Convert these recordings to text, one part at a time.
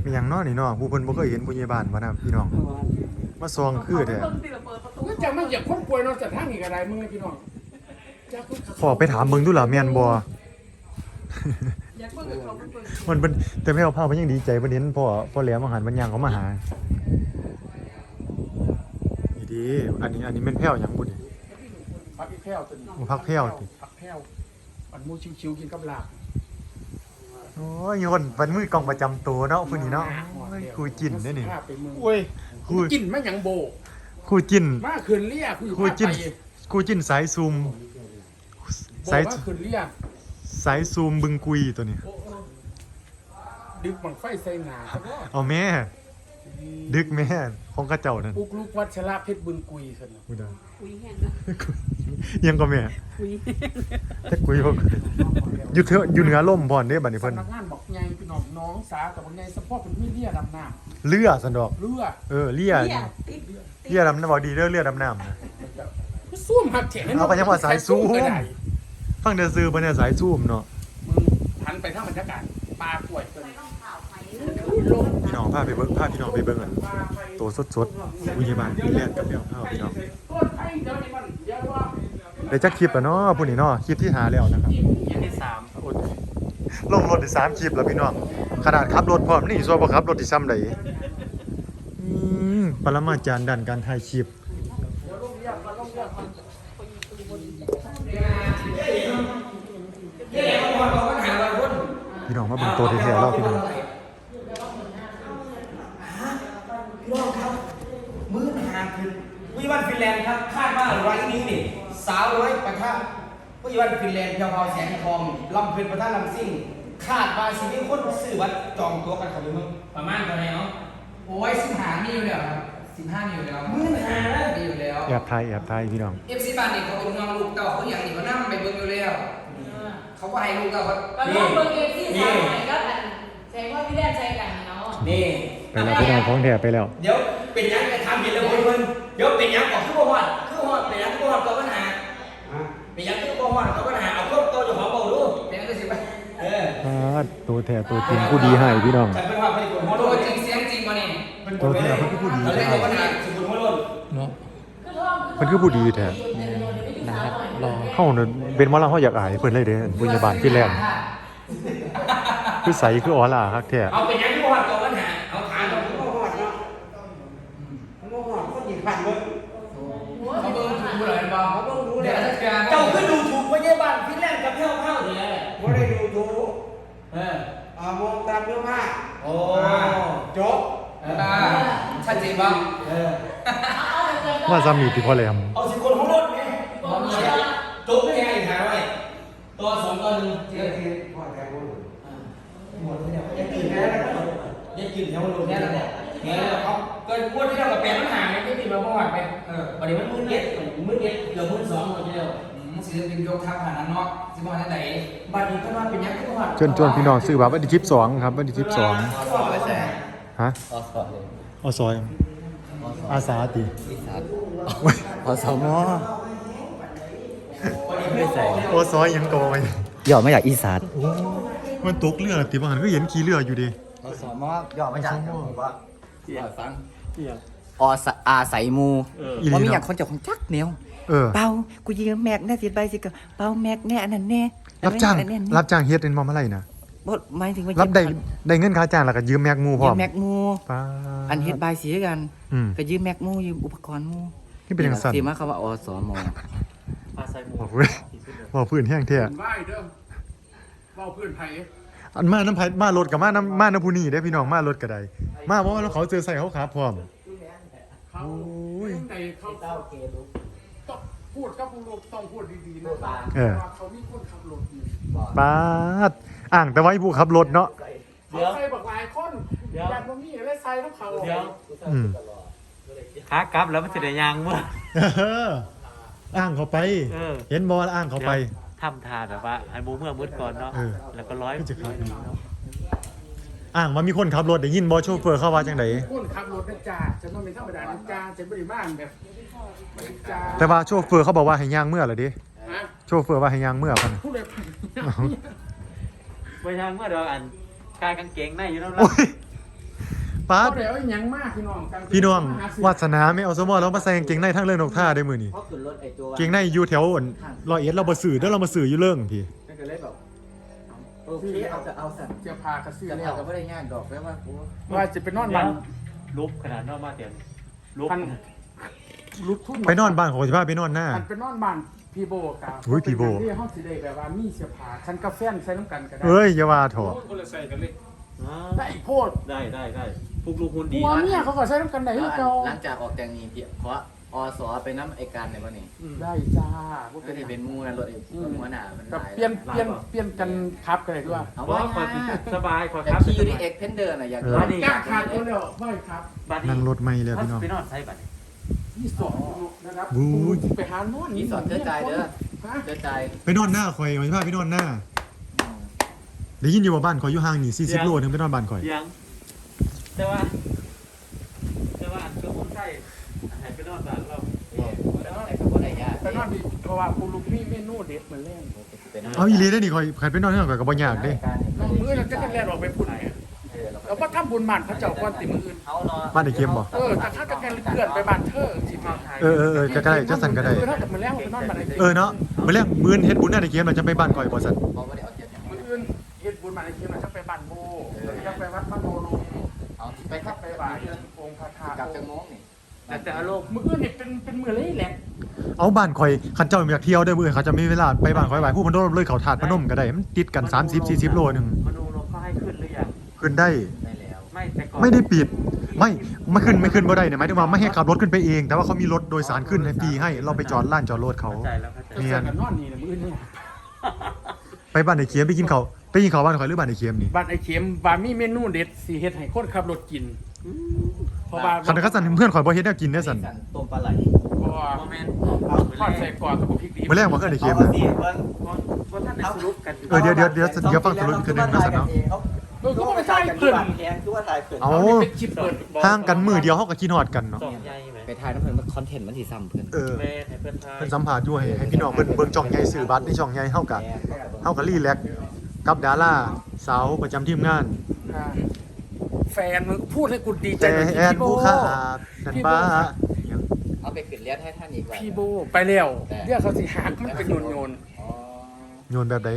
มีหยังน้อนี่น้อผู้เพิ่นบ่เคยเห็นผู้ใหญ่บ้านบ่นะพี่น้องมาซองคือแท้ก็จะไม่อยากคนป่วยนอนจากทางนี้ก็ได้มึงพี่น้องขอไปถามเบิ่งดูล่ะแม่นบ่ มันเป็นแต่แม่เอาผ้ามันยังดีใจเพิ่นเห็นพ่อแหลมอาหารมันย่างเขามาหานี่ดีอันนี้แม่นแพ้วหยังบุนี่พักอีกแพ้วตัวนี้พักแพ้วติพักแพ้วมันมูชิวๆกินกับลาบโอ้ยคนเป็นมือกองประจำตัวเนาะผู้นี้เนาะโอ้ยกูจินเด้นี่โอ้ยกูกินไม่หยังโบกูจินมาคืนเลี้ยกูอยู่กูภาคจินไปกูจินสายซูมสายคืนเลี้ยสายซูมบึงกุยตัวนี้ดึกบังไฟใส่หนาเอาแม่ดึกแม่ของกระเจ้านั่นปุกลูกวัชระเพชรบึงกุยสินะกูได้คุยแห้งนะยังก็แม่คุยแต่กุยบ่อยู่เถอะอยู่เหนือล่มพรเด้บัดนี้เพิ่นสำนักงานบอกไงพี่น้องน้องสาแต่บอกไงสะโพกเป็นมีเลี้ยดำน้เรือสันดอกำเรือเลี่ยเนี่ยติดเลี่ยดำน้ำบ่ดีเด้อเรือดำน้ำนะซ่วมหักแขนเอาไปยังว่าสายซูมก็ได้ฟังเด้อซื้อเพิ่นเนี่ยสายซูมเนาะมึงหันไปทางบรรยากาศปลากล้วยตัวนี้พี่น้องพาพี่น้องไปเบิ่งอันตัวสดๆผู้ใหญ่บ้านพี่แล่นกับแมวพาพี่น้องต้นไอ้เดี๋ยวนี้มันเดี๋ยวว่าได้จักคลิปแล้วเนาะผู้นี้เนาะคลิปที่หาแล้วนะครับยังที่3 โอ้ยลงรถได้3คลิปแล้วพี่น้องขนาดขับรถพร้อมนี่ซัวบ่ขับรถที่ซ้ำใดปรมาจารย์ด้านการถ่ายคลิปพี่น้องมาเบิ่งตัวแท้ๆแล้วพี่น้องพี่น้องครับมื้อหาคือผู้ใหญ่บ้านฟินแลนด์ครับคาดว่าวันนี้นี่สาวร้อยปะทะผู้ใหญ่บ้านฟินแลนด์เพียวพาวแสงทองลำเพลินปะทะลำซิ่งคาดว่าสิมีคนซื้อบัตรจองตั๋วกันเข้าไปเมืองประมาณเท่าไหร่เนาะโอ้ย15มีอยู่แล้วครับ15มีอยู่แล้วมื้อหาแล้วมีอยู่แล้วแอบถ่ายพี่น้อง FC บ้านนี่เขาเป็นน้องลูกเต้าเขาอย่างนี้เขานั่งไปเบิ่งอยู่แล้วเขาก็ให้ลูกเต้าเขาก็ลองเบอร์เอฟซีสาวหน่อยก็อันใช้ว่าพี่แดนใช้กันเนาะนี่ไปแล้วพี่น้องของแท้ไปแล้วเดี๋ยวเป็นยังจะทำเห็นแล้วเพิ่นเดี๋ยวเป็นยังก่อนคือบ่ฮอดเป็นยังคือบ่ฮอดตัวปัญหาเป็นยังคือบ่ฮอดตัวปัญหาเอาครบตัวเจ้าของเบาดูเป็นก็สิไปตัวแท้ตัวจริงผู้ดีให้พี่น้องฉันเป็นว่าเพิ่นคนฮอดตัวจริงเสียงจริงบ่นี่ตัวแท้เพิ่นคือผู้ดีเอาเลยแท้ตัวปัญหาสุขุมฮอดเนาะเพิ่นคือผู้ดีแท้เฮาน่ะเป็นหมอลำเฮาอยากอายเพิ่นเลยเด้ผู้ใหญ่บ้านที่แลนด์คือใสคือออร่าคักแท้เอาเป็นยังที่บ่ฮอดตัวปัญหาเอาถามตัวที่บ่ฮอดเนาะมันบ่ฮอดคนหยิบผ่านเบิ่งเขาเบิ่งถูกเลยบ่เดี๋ยวจัดการเจ้าคือดูถูกพยาบาลฟินแลนด์กับแพ้วๆนี่แหละไม่ได้ดูถูกเมองตามเนื้อผ้าโอ้จบชัดเจนบ่ว่าซ้ำนี่ที่พ่อแหลมเอาสิคนของรถไงจบได้ไงถามไว้ตัว2ตัว1 ที่ที่พ่อแทนพูดหมดแล้วอย่ากินแล้วอย่ากินแถวรถเนี่ยแล้วเนี่ยแล้วเขาเกินงวดที่เรากับแปดมันห่างกันไม่ติดมาบ่ฮอดไปวันนี้มันมื้อเย็ดเกือบมื้อ2หมดแล้วศิลปินยกทัพขนาดนั้นเนาะสิบ่ทันใดบัดนี้ก็ว่าเป็นยังคือฮอดชวนพี่น้องซื้อบัตรวันที่12ครับวันที่12ฮะอสอยอาสาติอสมไม่ใส่โอซอยยังโกยย่อมาจากอีสานมันตกเรือติบ่หันก็เห็นขี่เรืออยู่ดิอสมย่อมาจากว่าฟังอาศัยมูว่ามีอย่างคนจากของจักแนวเป่ากูยืมแม็กแน่สิใบสิก็เป่าแม็กแน่อันนั้นแน่รับจ้างเฮ็ดเป็นมอมอะไรนะบ่หมายถึงว่ารับได้เงินค่าจ้างแล้วก็ยืมแม็กมูพร้ยือมมแม็กมูป้าอันเฮ็ดใบสีกัน ก็ยืมแม็กมูยืมอุปกรณ์มูนี่เป็นจังซั่นสิมาคำว่าอสมบอกเว้ยบอกพื้นแห้งแท้ไหว้เด้อเว้าเพื่อนไผอันมาน้ำไผมารถกับมาน้ำผู้นี้ได้พี่น้องมารถก็ได้มาเพราะว่าเขาเจอใส่เขาขาพร้อมเขาในเขาต้องพูดกับผู้ลูกต้องพูดดีๆนะว่าเขามีคนขับรถอยู่ป้าดอ่างแต่ไว้ผู้ขับรถเนาะเขาใส่บักหลายคนแบบบ่มีอะไรใส่แล้วเขาอืมขากลับแล้วมันจะได้ยางมั้งอ่างเขาไป เห็นบอลอ่างเขาไปทำทานแบบว่าให้หมูเมื่อมืดก่อนเนาะแล้วก็ร้อยก็จะขับอ่างมันมีคนขับรถได้ยินบอโชเฟอร์เข้าว่าจังไดคนขับรถนะจ้าจะต้องเป็นธรรมดานะจ้าจะบริบ้านแบบจ้าแต่ว่าโชเฟอร์เขาบอกว่าให้ย่างเมื่อเหรอดิฮะโชเฟอร์ว่าให้ย่างเมื่อพันพูดเลยไปทางเมื่อเดี๋ยวอันกายกางเกงในอยู่แล้วโอ้ยป๊าดบ่ได้เอาหยังมากพี่น้องกันพี่น้องวาสนาไม่เอาสมอแล้วมาใส่กางเกงในทั้งเรื่องนกท่าได้มื้อนี้เพราะขึ้นรถไอ้ตัวเกงในอยู่แถวอั่น100 เราบ่ซื้อเด้อเรามาซื้ออยู่เรื่องพี่นั่นก็เลยแบบโอเคเอาสั่นเสื้อผ้ากระซื้อจะแล้เอาวก็ไม่ได้ง่ายดอกแม้ว่ากูว่าจะไปนอนบ้านลุกขนาดนอกมาเตียงลุกพันลุกทุ่นไปนอนบ้านของสิพาไปนอนหน้าพันไปนอนบ้านพี่โบกับอุ้ยพี่โบที่เฮาสิได้แบบว่ามีเสื้อผ้าคันกาแฟใส่น้ำกันก็ได้เอ้ยอย่าว่าเถอะคนละใส่กันเลยอ๋อได้โพดได้พวกลูกหุ่นดีหัวเมียเขาก็ใส่น้ำกันได้คือเก่าหลังจากออกจากนี้พี่เพราะอสไปน้ำไอการในวันนี้ได้จ้าบ่ก็เป็นหจะยังเป็นมูนะรถไอ้หัวหน้ามันกับหลายเปลี่ยนกันครับกันเลยด้วยเอาว่าไว้คอยสบายคอยแต่ครับขี่อยู่ในเอ็กเพนเดอร์น่ะอยากบ้านนี้จ้างขาดตัวเดียวไม่ครับบ้านนี้นั่งรถไม่เลยพี่น้องไปนอนใส่บัตรที่สองนะครับบู๊ยไปหานอนมีสอนเธอใจเด้อฮะเธอใจไปนอนหน้าข่อยสิพาไปนอนหน้าได้ยินอยู่ว่าบ้านข่อยอยู่ห่างนี่40 โลถึงไปนอนบ้านข่อยยังแต่ว่าก็คนใส่ให้ไปนอนบ้านเราแล้วไอ้คนไหนยากไปนอนดีเพราะว่าคุณลูกมีเมนูเด็ดมาเล่นเอาอีหลีได้อนี่ข่อยคันไปนอนที่นั่นข่อยก็บ่ยากเด้น้องมือเราจะกันแล่นออกไปพุ่นเนี่ยแล้วก็ทำบุญบ้านพระเจ้าก่อนติมืออื่นเขาเนาะบ้านไอ้เกมบ่แต่ถ้าจะแกนเลื่อนไปบ้านเธอสิมาเออจะได้จะสั่นก็ได้ถ้าจะมาแล้วไปนอนบ้านไอ้เออเนาะมื้อแรกมื้อเฮ็ดบุญหน้าไอ้เกมเราจะไปบ้านข่อยบ่สั่นเขาไม่ได้เอาเจ็ดมืออื่นเฮ็ดบุญบ้านไอ้เคียนจะไปบ้านโบจะไปวัดพระโนลงเอาไปไปขัทับบ ไปไปบ่าบ่าย ยองค์พระธาตุกลับจากโมงนี่แต่อารมณ์มืออื่นนี่เป็นมือเลยแหละเอาบ้านข่อยคันเจ้าอยากเที่ยวได้อมื้อเขาจะมีเวลาไปบ้านข่อยบ่ายผู้เพิ่นโดนเลยเขาถาดพนมก็ได้มันติดกัน30-40 โลนึงมนูเราก็ให้ขึ้นหรือยังขึ้นได้ได้แล้วไม่แต่ก่อนไม่ได้ปิดไม่ขึ้นบ่ได้เนี่ยหมายถึงว่าไม่ให้ขับรถขึ้นไปเอง แต่ว่าเขามีรถโดยสารขึ้นให้ฟรีให้เราไปจอดลานจอดรถเขาเข้าใจแล้วเข้าใจจะเจอกันนอนนี่นะมืออื่นนี่ไปบ้านไอ้เคียมไปกินเขาวบ้านข่อยหรือบ้านไอ้เคียมนี่บ้านไอ้เข็มว่ามีเมนูเด็ดสิเฮ็ดให้คนขับรถกินเพราะว่าคันเขาสั่นเพื่อนข่อยบ่เฮ็ดแนวกินได้อสั่นต้มปลาไหลเพราะว่าโมเมนต์ทอดใส่ก่อนกับพริกดีมื้อแรกบ่เคยได้เคียมเอานะสิเพิ่นเพราะท่านในสรุปกันอยู่เออเดี๋ยวฟังสรุปอีกคืนนึงนะสั่นเนาะก็ไม่ใช่เพิ่นแพงคือว่าถ่ายเพิ่นเอาเป็นคลิปเปิดห่างกันมื้อเดียวเฮาก็คิดฮอดกันเนาะสองใหญ่ไหมไปถ่ายน้ำเพิ่นมันคอนเทนต์มันสิซ้ำเพิ่นเออแม่ให้เพื่อนทายเพิ่นสัมภาษณ์อยู่ให้พี่น้องเพิ่นเบิ่งช่องใหญ่ซื้อบัตรในช่องใหญ่เฮาก็รีแลกซ์กับดาราสาวประจำทีมงานแฟนมึงพูดให้กูดีใจแต่หน่อยแอนพี่โบผู้ขาดนั่นป้าเอาไปขึ้นเลียดให้ท่านอีกว่าพี่โบไปแล้วเรียกเขาสิหักมันเป็นโยนอ๋อโยนแบบใด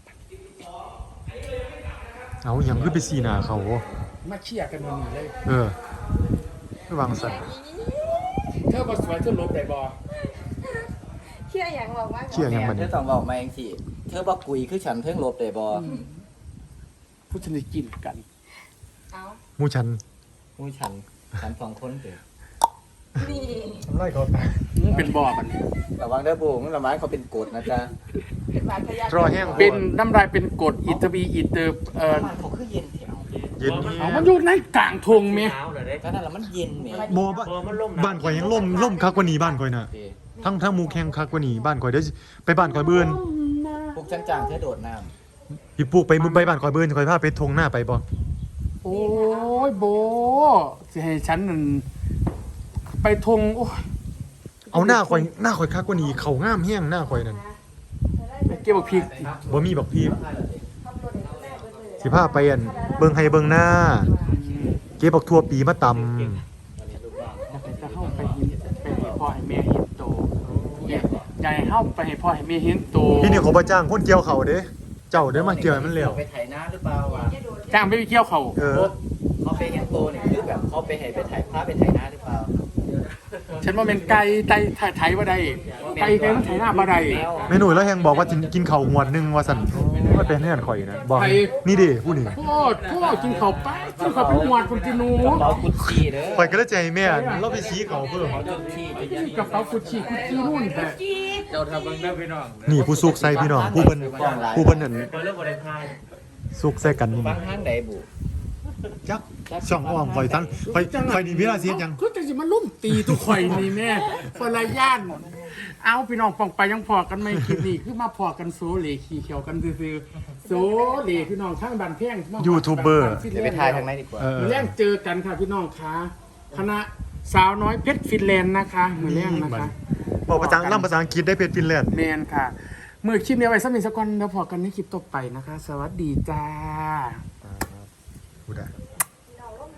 เอาหยังคือไปสีหน้าเขามาเชี่ยกันมันเลยเออระวังสัตว์เธอบ่สวยเธอลบได้บ่เชื่ออย่างบอกว่าเชี่ยหยังบัดเธนี้อต้องบอกมาเองสิเธอบ่กุยคือฉันเพิ่งลบได้บ่ผู้ชนิดกินกันเอาหมู่ฉันมูฉันสองคนเด้อนี่ไล่เขาตายมึงเป็นบ่อมันระวังเด้อบูมึงระวังเขาเป็นกฎนะจ๊ะเป็นบาดทะยักรอแห้งเป็นน้ำลายเป็นกรดอิตาบีอิเตอร์บ้านเขาคือเย็นแถวเย็นนี่เอามันอยู่ในกลางทงแม่หนาวเลยเด้ก็นั่นแหละมันเย็นแหมบ่พอมันล่มบ้านข่อยยังล่มคักกว่านี้บ้านข่อยน่ะโอเคทั้งหมู่แข่งคักกว่านี้บ้านข่อยเดี๋ยวสิไปบ้านข่อยเบิ่นพวกจ้างๆเธอโดดน้พี่ปุ๊กไปบ้านข่อยเบิ่นข่อยพาไปทงหน้าไปบ่โอ้ยโบสิให้ฉันนั่นไปทงโอ้ยเอาหน้าข่อยคักกว่านี้เขางามแฮงหน้าข่อยนั่นไปเก็บบักพริกบ่มีบักพีสิพาไปอันเบิ่งให้เบิ่งหน้า เก็บบักทั่วปีมาตำจะเข้าไปเห็นไปให้พ่อให้แม่เห็นโตเนี่ยอยากให้เข้าไปให้พ่อให้แม่เห็นโตพี่นี่เขาบ่จ้างคนเกี่ยวเขาเด้เจ้าเด้อมาเกี่ยวให้มันแล้วไปไถนาหรือเปล่าวะจ้างไปเที่ยวเขาเออเขาไปเห็นโตเนี่ยคือแบบเขาไปให้ไปไถพาไปไถนาหรือเปล่าฉันว่าเป็นไก่ไทยว่าได้ไก่มันไถหน้าบ่ได้แม่หนุ่ยแล้วแฮงบอกว่ากินข้าวหวดหนึงว่าซั่นว่าเป็นเฮือนข่อยนะบอกนี่เด้ผู้นี่โคตรกินข้าวไปกินข้าวเป็นหวานคุณกินหนูกระเป๋ากุชชี่เด้อข่อยก็เลยใจแม่เราไปชี้เขาเพิ่มกุชชี่จะยังกระเป๋ากุชชี่นู่นแต่เจ้าทำเบิ่งได้พี่น้องนี่ผู้สุกใส่พี่น้องผู้เพิ่นนั่นพอเริ่มบริทายสุกใส่กันนี่บางห้างใดบุจักช่องอ้อมข่อยทั้งข่อยนี่เวลาเสียยังคือจังสิมาลุ่มตีทุกข่อยนี่แม่คนละย่านเอาพี่น้องปองไปยังพอกันไม่คลิปนี้คือมาพอกันโซเลขี่เขียวกันซื่อๆโซเลพี่น้องข้างบ้านเพียงยูทูบเบอร์เดี๋ยวไปถ่ายทางไหนดีกว่ามือแรงเจอกันค่ะพี่น้องคะคณะสาวน้อยเพชรฟินแลนด์นะคะมือแรงนะคะบอกภาษาล่ำภาษาอังกฤษได้เพชรฟินแลนด์แมนค่ะมือคลิปนี้ไว้สักหนึ่งสักวันแล้วพอกันในคลิปต่อไปนะคะ สวัสดีจ้าพูดได้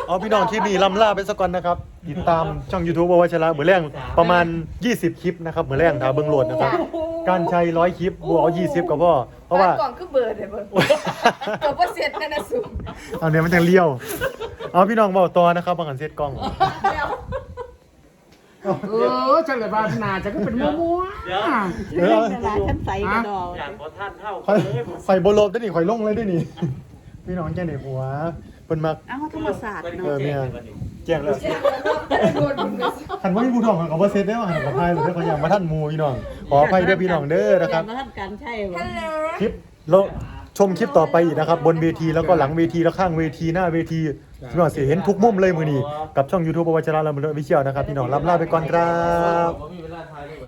เอาพี่น้องคลิปนี้ลำลาไปสักก่อนนะครับติดตามช่อง YouTube วชระเมื่อแรงประมาณ20คลิปนะครับเมื่อแรงถ้าเบิ่งโหลดนะครับการใช้100คลิปบวกเอา20ก็พอเพราะว่ากล่องคือเบิร์ดเลยเบิร์ดตัวเปอร์เซ็นต์นั่นนะสูงเอาเนี่ยมันจังเลี้ยวเอาพี่น้องเว้าต่อนะครับบางอันเซตกล้องจังเลยบ้านนาจะก็เป็นมัวเดี๋ยวเออฉันใส่กระดองอย่างพอท่านเท่าข่อยข่อยบ่ลบได้นี่ข่อยลงเลยได้นี่ พี่น้องแจ้งได้หัวเพิ่นมักเอ้าธรรมศาสตร์เออแม่แจ้งแล้วโดนมึงเลยคันว่ามีผู้ทองก็บ่เซ็ตได้ว่าหันกับพายหรือเขาอย่างมาท่านหมู่พี่น้องขออภัยเด้อพี่น้องเด้อนะครับมาท่านกันใช่ไหมคลิปแล้วชมคลิปต่อไปอีกนะครับ บนเวทีแล้วก็หลังเวทีแล้วข้างเวทีหน้าเวทีพี่น้องสิเห็นทุกมุมเลยมื้อนี้กับช่อง YouTube วชระลำเลิศวิเชียวนะครับพี่น้องลำลาไปก่อนครับ